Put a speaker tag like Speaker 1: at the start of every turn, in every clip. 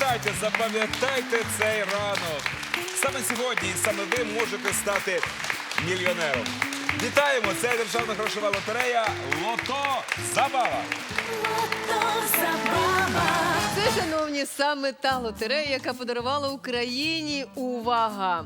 Speaker 1: Пам'ятайте, запам'ятайте цей ранок. Саме сьогодні і саме ви можете стати мільйонером. Вітаємо! Це Державна грошова лотерея «Лото Забава».
Speaker 2: Це, шановні, саме та лотерея, яка подарувала Україні, увага,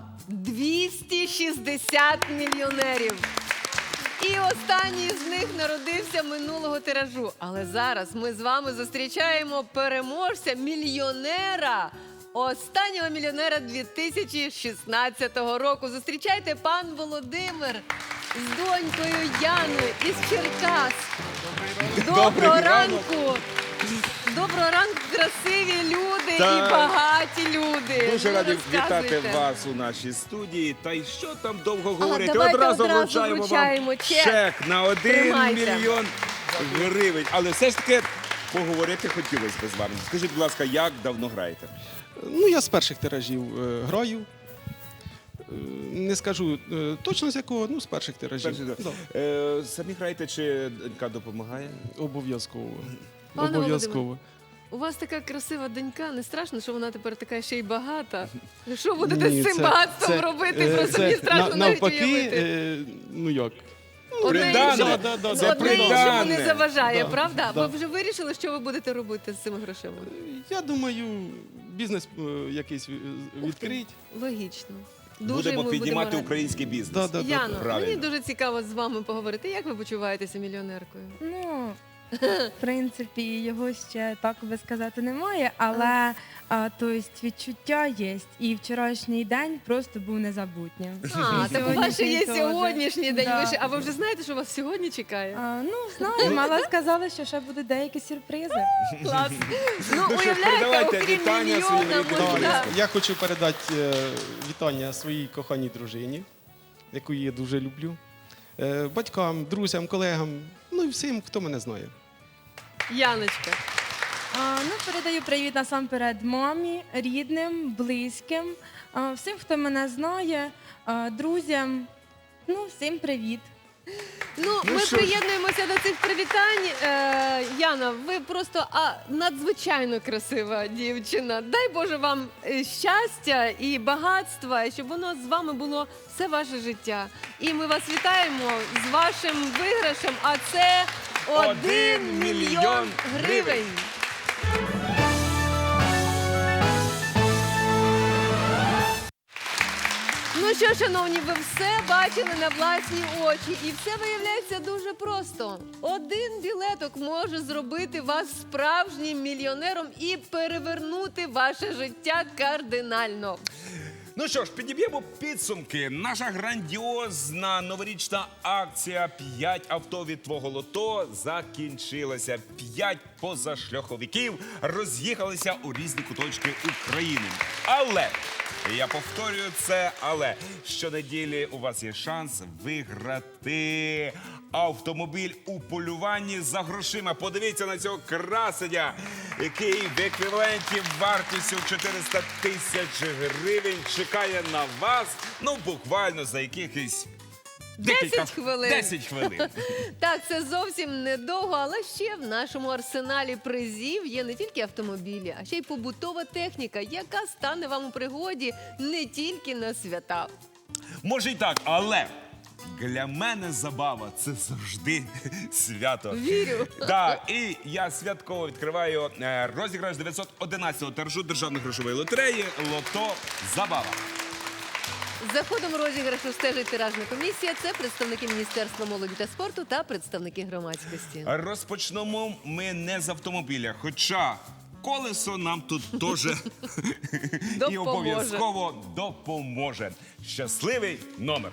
Speaker 2: 260 мільйонерів. І останній з них народився минулого тиражу. Але зараз ми з вами зустрічаємо переможця, мільйонера, останнього мільйонера 2016 року. Зустрічайте пан Володимир з донькою Яною із Черкас. Доброго ранку! Доброго ранку, красиві люди і багаті люди.
Speaker 1: Дуже
Speaker 2: Ну,
Speaker 1: раді
Speaker 2: розказуйте.
Speaker 1: вітати вас у нашій студії. Та й що там довго говорити?
Speaker 2: давайте
Speaker 1: Одразу
Speaker 2: одразу
Speaker 1: вручаємо вам чек на 1
Speaker 2: Тримайте.
Speaker 1: мільйон гривень. Але все ж таки поговорити хотілося б з вами. Скажіть, будь ласка, як давно граєте?
Speaker 3: Ну, я з перших тиражів граю. Не скажу точно з якого, ну, з перших тиражів. Да.
Speaker 1: Самі граєте чи донька допомагає?
Speaker 3: Обов'язково.
Speaker 2: Пане
Speaker 3: Обов'язково.
Speaker 2: У вас така красива донька, не страшно, що вона тепер така ще й багата? Що будете
Speaker 3: Ні,
Speaker 2: з цим багатством робити? Просто мені страшно навіть
Speaker 3: навпаки,
Speaker 2: уявити.
Speaker 3: Ну як?
Speaker 2: Одне
Speaker 1: Придане.
Speaker 2: іншому-
Speaker 1: Це
Speaker 2: Одне іншому
Speaker 1: придане.
Speaker 2: не заважає,
Speaker 3: Да,
Speaker 2: правда?
Speaker 3: да.
Speaker 2: Ви вже вирішили, що ви будете робити з цими грошима?
Speaker 3: Я думаю, бізнес якийсь відкрить.
Speaker 2: Логічно. Дуже
Speaker 1: Будемо
Speaker 2: ми
Speaker 1: піднімати
Speaker 2: раді.
Speaker 1: український бізнес.
Speaker 3: Да.
Speaker 2: Яно,
Speaker 1: Правильно.
Speaker 2: мені дуже цікаво з вами поговорити. Як ви почуваєтеся мільйонеркою?
Speaker 4: Ну, в принципі, його ще так би сказати немає, але тобто, відчуття є. І вчорашній день просто був незабутнім.
Speaker 2: А, так у вас ще є
Speaker 4: Сьогоднішній теж.
Speaker 2: сьогоднішній день.
Speaker 4: Да.
Speaker 2: Ви ще- А ви вже знаєте, що вас сьогодні чекає?
Speaker 4: Ну, знаємо, але сказали, що ще будуть деякі сюрпризи.
Speaker 2: Клас. Ну,
Speaker 1: що ж,
Speaker 2: уявляєте,
Speaker 1: передавайте
Speaker 2: окрім
Speaker 1: вітання
Speaker 2: мільйона,
Speaker 1: своїм рідним
Speaker 2: можна...
Speaker 1: близьким.
Speaker 3: Я хочу передати вітання своїй коханій дружині, яку я дуже люблю, батькам, друзям, колегам, ну і всім, хто мене знає.
Speaker 2: Яночка.
Speaker 4: Ну, передаю привіт насамперед мамі, рідним, близьким, всім, хто мене знає, друзям. Ну, всім привіт.
Speaker 2: Ну, ми
Speaker 1: що ж.
Speaker 2: приєднуємося до цих привітань. Яна, ви просто надзвичайно красива дівчина. Дай Боже вам щастя і багатства, щоб воно з вами було все ваше життя. І ми вас вітаємо з вашим виграшем, а це 1 мільйон гривень. Ну що, шановні, ви все бачили на власні очі. І все виявляється дуже просто. Один білеток може зробити вас справжнім мільйонером і перевернути ваше життя кардинально.
Speaker 1: Ну що ж, підіб'ємо підсумки. Наша грандіозна новорічна акція «5 авто від твого лото» закінчилася. 5 позашляховиків роз'їхалися у різні куточки України. Але, я повторюю це, але щонеділі у вас є шанс виграти автомобіль у полюванні за грошима. Подивіться на цього красення, який в еквіваленті вартістю 400 тисяч гривень чекає на вас, ну, буквально за якихось
Speaker 2: 10 хвилин.
Speaker 1: 10 хвилин.
Speaker 2: Так, це зовсім недовго, але ще в нашому арсеналі призів є не тільки автомобілі, а ще й побутова техніка, яка стане вам у пригоді не тільки на свята.
Speaker 1: Може й так, але для мене забава – це завжди свято.
Speaker 2: Вірю.
Speaker 1: Так, і я святково відкриваю розіграш 911-го тиражу Державної грошової лотереї «Лото Забава».
Speaker 2: За ходом розіграшу стежить тиражна комісія. Це представники Міністерства молоді та спорту та представники громадськості.
Speaker 1: Розпочнемо ми не з автомобіля, хоча колесо нам тут теж і
Speaker 2: Допоможе.
Speaker 1: обов'язково допоможе. Щасливий номер.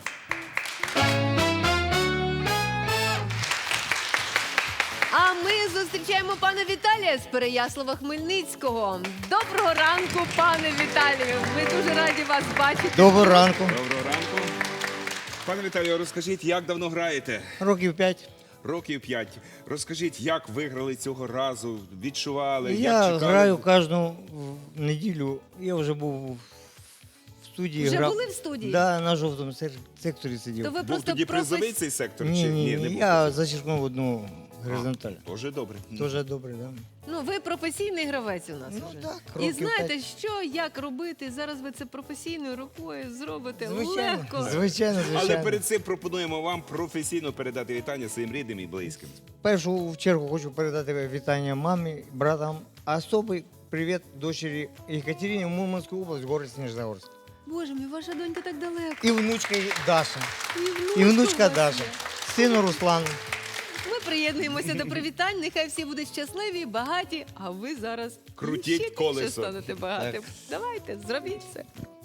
Speaker 2: А ми зустрічаємо пана Віталія з Переяслава-Хмельницького. Доброго ранку, пане Віталію. Ми дуже раді вас бачити.
Speaker 5: Доброго ранку.
Speaker 1: Доброго ранку. Пане Віталію, розкажіть, як давно граєте?
Speaker 5: Років 5.
Speaker 1: Років 5. Розкажіть, як виграли цього разу, відчували, як
Speaker 5: Я
Speaker 1: чекали?
Speaker 5: граю кожну неділю. Я вже був в студії.
Speaker 2: Вже
Speaker 5: грав.
Speaker 2: були в студії?
Speaker 5: Да, на жовтому секторі сидів.
Speaker 2: То ви
Speaker 1: Був
Speaker 2: просто
Speaker 1: тоді призовий цей сектор?
Speaker 5: Ні,
Speaker 1: чи
Speaker 5: ні,
Speaker 1: не був
Speaker 5: я
Speaker 1: призовий?
Speaker 5: зачеркнув одну Горизонталь.
Speaker 1: Дуже добре.
Speaker 5: Дуже добре, да?
Speaker 2: Ну, ви професійний гравець у нас
Speaker 5: Ну,
Speaker 2: вже.
Speaker 5: так,
Speaker 2: І
Speaker 5: років
Speaker 2: знаєте,
Speaker 5: 5.
Speaker 2: що, як робити. Зараз ви це професійною рукою зробите
Speaker 5: Звичайно,
Speaker 2: легко.
Speaker 5: звичайно,
Speaker 1: Але
Speaker 5: звичайно.
Speaker 1: перед цим пропонуємо вам професійно передати вітання своїм рідним і близьким.
Speaker 5: В першу чергу хочу передати вітання мамі, братам. А особий привіт дочері Екатерині в Мурманську область, город Снежногорск.
Speaker 2: Боже мій, ваша донька так далеко.
Speaker 5: І внучка Даша.
Speaker 2: І
Speaker 5: І внучка
Speaker 2: у вас
Speaker 5: Даша.
Speaker 2: є.
Speaker 5: Сину Руслану.
Speaker 2: Ми приєднуємося до привітань. Нехай всі будуть щасливі, багаті, а ви зараз
Speaker 1: Крутіть
Speaker 2: ще більше
Speaker 1: колесо.
Speaker 2: станете багатим. Давайте, зробіть це.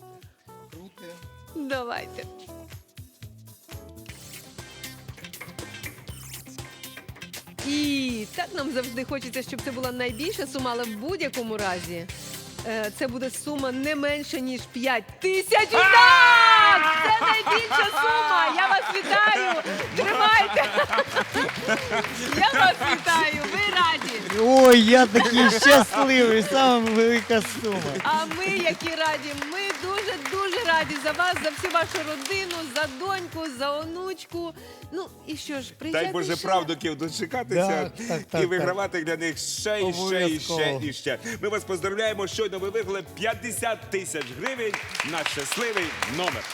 Speaker 2: Давайте. І так нам завжди хочеться, щоб це була найбільша сума, але в будь-якому разі це буде сума не менше, ніж 5 тисяч. Так! Це найбільша сума! Я вас вітаю! Тримайте! Я вас вітаю! Ви раді!
Speaker 5: Ой, я такий щасливий, саме велика сума.
Speaker 2: А ми, які раді, ми дуже раді за вас, за всю вашу родину, за доньку, за онучку. Ну і що ж, приїжджайте
Speaker 1: Дай Боже
Speaker 2: ще.
Speaker 1: правдуків дочекатися
Speaker 5: Так,
Speaker 1: і вигравати для них ще і ще і ще
Speaker 5: Обов'язково.
Speaker 1: і ще. Ми вас поздравляємо. Щойно ви виграли 50 тисяч гривень на щасливий номер.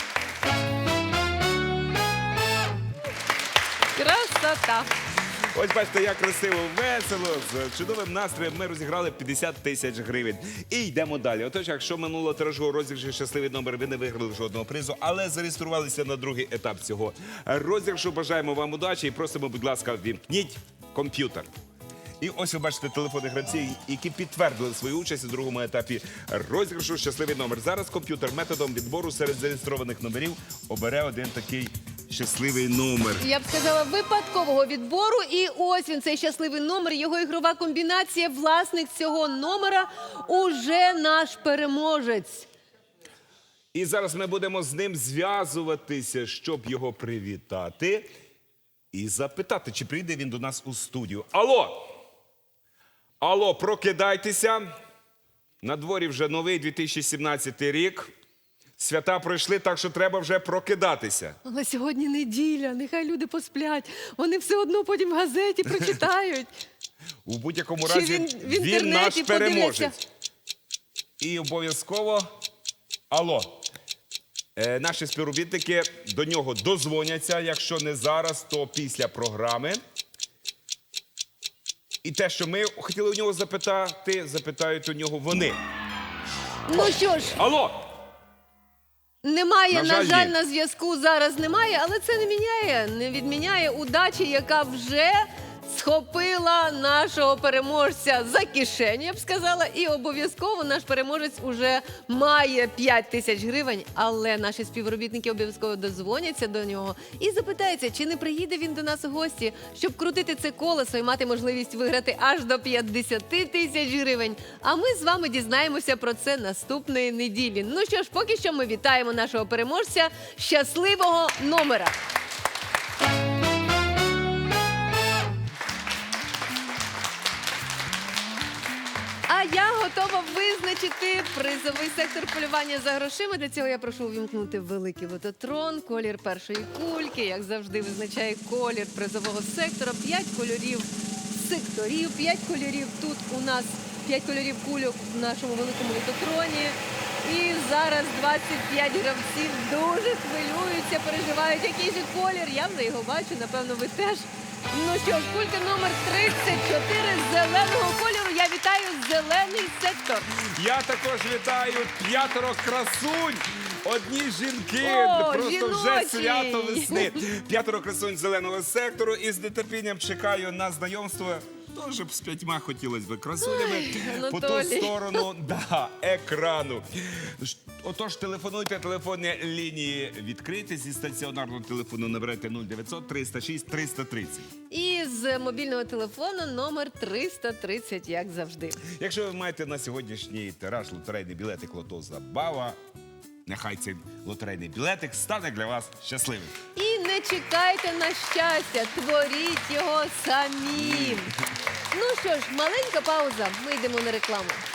Speaker 2: Красота!
Speaker 1: Ось бачите, як красиво, весело, з чудовим настроєм ми розіграли 50 тисяч гривень. І йдемо далі. Отож, якщо минулого тиражу розіграшу щасливий номер, ви не виграли жодного призу, але зареєструвалися на другий етап цього розіграшу. Бажаємо вам удачі і просимо, будь ласка, ввімкніть комп'ютер. І ось ви бачите телефони гравців, які підтвердили свою участь у другому етапі розіграшу щасливий номер. Зараз комп'ютер методом відбору серед зареєстрованих номерів обере один такий щасливий номер.
Speaker 2: Я б сказала, випадкового відбору. І ось він, цей щасливий номер, його ігрова комбінація. Власник цього номера уже наш переможець.
Speaker 1: І зараз ми будемо з ним зв'язуватися, щоб його привітати і запитати, чи прийде він до нас у студію. Алло! Алло, прокидайтеся. На дворі вже новий 2017 рік. Свята пройшли, так що треба вже прокидатися.
Speaker 2: Але сьогодні неділя, нехай люди посплять. Вони все одно потім в газеті прочитають.
Speaker 1: У будь-якому
Speaker 2: Чи
Speaker 1: разі
Speaker 2: він в
Speaker 1: він
Speaker 2: інтернеті
Speaker 1: наш переможець.
Speaker 2: подивляться?
Speaker 1: І обов'язково, алло, наші співробітники до нього дозвоняться, якщо не зараз, то після програми. І те, що ми хотіли у нього запитати, запитають у нього вони.
Speaker 2: Ну що ж,
Speaker 1: Алло!
Speaker 2: немає,
Speaker 1: На жаль,
Speaker 2: на жаль,
Speaker 1: ні.
Speaker 2: на зв'язку зараз немає, але це не відміняє удачі, яка вже схопила нашого переможця за кишеню, я б сказала, і обов'язково наш переможець уже має 5 тисяч гривень, але наші співробітники обов'язково дозвоняться до нього і запитаються, чи не приїде він до нас у гості, щоб крутити це колесо і мати можливість виграти аж до 50 тисяч гривень. А ми з вами дізнаємося про це наступної неділі. Ну що ж, поки що ми вітаємо нашого переможця щасливого номера. А я готова визначити призовий сектор полювання за грошима. Для цього я прошу увімкнути великий лототрон, колір першої кульки, як завжди визначає колір призового сектора. 5 кольорів секторів, 5 кольорів тут у нас, 5 кольорів кульок в нашому великому лототроні. І зараз 25 гравців дуже хвилюються, переживають, який же колір. Я вже його бачу, напевно, ви теж. Ну що ж, кулька номер 34 зеленого кольору. Я вітаю зелений сектор.
Speaker 1: Я також вітаю 5 красунь. Одні жінки,
Speaker 2: О,
Speaker 1: просто вже
Speaker 2: жіночі.
Speaker 1: свято весни. 5 красунь зеленого сектору і з нетерпінням чекаю на знайомство. Теж б з 5 хотілося б красунями по ту
Speaker 2: Анатолій.
Speaker 1: сторону екрану. Отож, телефонуйте, телефонні лінії відкриті. Зі стаціонарного телефону наберете 0900 306 330.
Speaker 2: І з мобільного телефону номер 330, як завжди.
Speaker 1: Якщо ви маєте на сьогоднішній тираж лотерейний білетик «Лото Забава», нехай цей лотерейний білетик стане для вас щасливим.
Speaker 2: І не чекайте на щастя, творіть його самі. Ну що ж, маленька пауза, ми йдемо на рекламу.